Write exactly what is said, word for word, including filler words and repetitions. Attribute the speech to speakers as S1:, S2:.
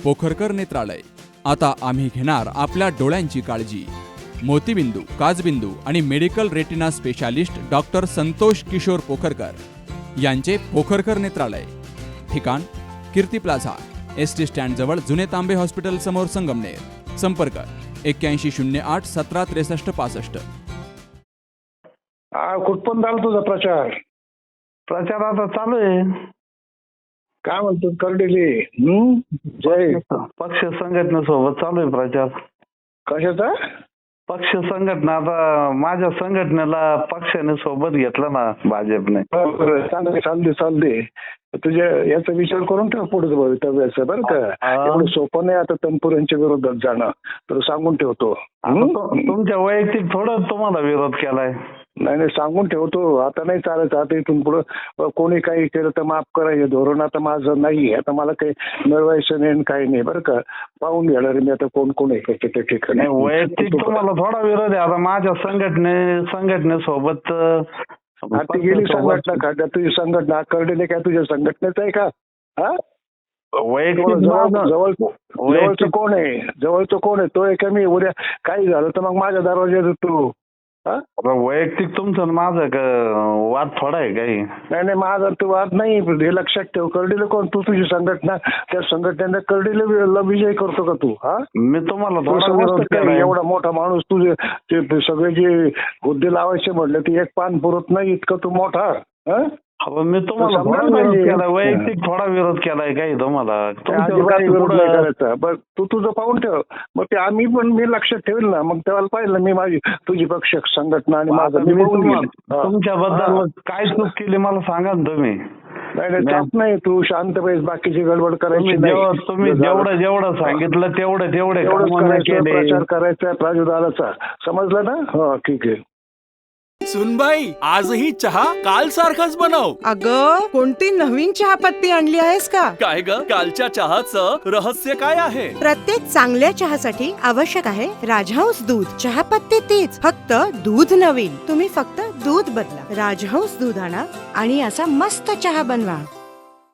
S1: पोखरकर नेत्रालय. आता आम्ही घेणार आपल्या डोळ्यांची काळजी. मोतीबिंदू, काचबिंदू आणि medical retina specialist doctor Santosh Kishor Pokharkar यांचे पोखरकर नेत्रालय. ठिकाण Kirti plaza, S T stand जवळ जुने तांबे हॉस्पिटल समोर, संगमनेर. संपर्क एक्क्याऐंशी शून्य आठ सतरा त्रेसष्ट पासष्ट.
S2: हा कुठपर्यंत झाला तुझा प्रचार?
S3: प्रचार आता चालू आहे.
S2: काय म्हणतो करडेले? हम्म जय
S3: पक्ष संघटनेसोबत चालू आहे प्रचार.
S2: कशाचा?
S3: पक्ष संघटना. आता माझ्या संघटनेला पक्षाने सोबत घेतलं ना भाजपने.
S2: बरं, चालते चालते चालते तुझ्या याचा विचार करून ठेव पुढे भवितव्याचं, बरं का? एवढं सोपं नाही आता तनपुरांच्या विरोधात जाणं, तर सांगून ठेवतो.
S3: आता तु- तुमच्या वैयक्तिक थोडं तुम्हाला विरोध केलाय.
S2: नाही नाही सांगून ठेवतो. आता नाही चालायचं. आता इथून पुढं कोणी काही केलं तर माफ करायचं धोरण आता माझं नाही. आता मला काही मिळवायचं नाही काही नाही, बरं का? पाहून घेणार मी आता कोण कोण आहे त्या ठिकाणी.
S3: नाही, वैयक्तिक तुम्हाला थोडा विरोध आहे. आता माझ्या संघटने संघटनेसोबत
S2: ती गेली संघटना का? त्या तुझी संघटना करडेले काय तुझ्या संघटनेच आहे का? हा
S3: वैयक्तिक
S2: जवळ
S3: माझं-
S2: जवळ जवळचं कोण आहे? जवळचं कोण आहे? तो आहे का मी? उद्या काही झालं तर मग माझ्या दरवाज्यात तू हा
S3: आता वैयक्तिक तुमचं आणि माझं क- वाद थोडा आहे काही.
S2: नाही नाही माझा तू वाद नाही. हे लक्षात ठेव. करडीले कोण? तू तुझी संघटना, त्या संघटनेने करडीले विजय करतो का तू? हा
S3: मी तुम्हाला
S2: तुला
S3: थोडा
S2: समजतं
S3: विरोध
S2: का?
S3: केलाय.
S2: एवढा मोठा माणूस तुझे ते सगळे जे हुद्दे लावायचे म्हटले ते एक पान पुरत नाही इतकं तू मोठा. हा
S3: अहो, मी तुम्हाला
S2: समजायला
S3: थोडा विरोध
S2: पाहिजे.
S3: केलाय. वैयक्तिक थोडा विरोध केलाय काही तुम्हाला. तुमच्यावर
S2: अजिबात
S3: काही
S2: विरोध नाही
S3: पुढं-
S2: करायचा. बरं तू तुझं पाहून ठेव. मग ते आम्ही पण मी लक्षात ठेवेल ना. मग तेव्हा पाहिलं मी माझी तुझी पक्ष संघटना आणि माझं
S3: आता
S2: मी
S3: मी
S2: बघून
S3: तुम्हा-
S2: घेईन. हा.
S3: तुमच्याबद्दल
S2: हा.
S3: काय चूक केली मला सांगा ना तुम्ही.
S2: नाही नाही चाप नाही. तू शांत पाहिजे. बाकीची गडबड करायची
S3: तुम्ही
S2: नाही.
S3: जेवढं तुम्ही जेवढं जेवढं सांगितलं तेवढं तेवढे
S2: एवढंच
S3: कामं नाही
S2: करायचं.
S3: केले.
S2: प्रचार करायचा प्राजुर्भावाचा. समजलं ना? हा ठीक आहे.
S4: सुनबाई, आजही चहा काल सारखाच बनव.
S5: अगं कोणती नवीन चहापत्ती आणली आहेस का?
S4: काय ग? कालच्या चहाचं रहस्य काय आहे?
S6: प्रत्येक चांगल्या चहासाठी आवश्यक आहे राजहंस दूध. चहापत्ती तीच, फक्त दूध नवीन. तुम्ही फक्त दूध बदला. राजहंस दूध आणा आणि असा मस्त चहा बनवा.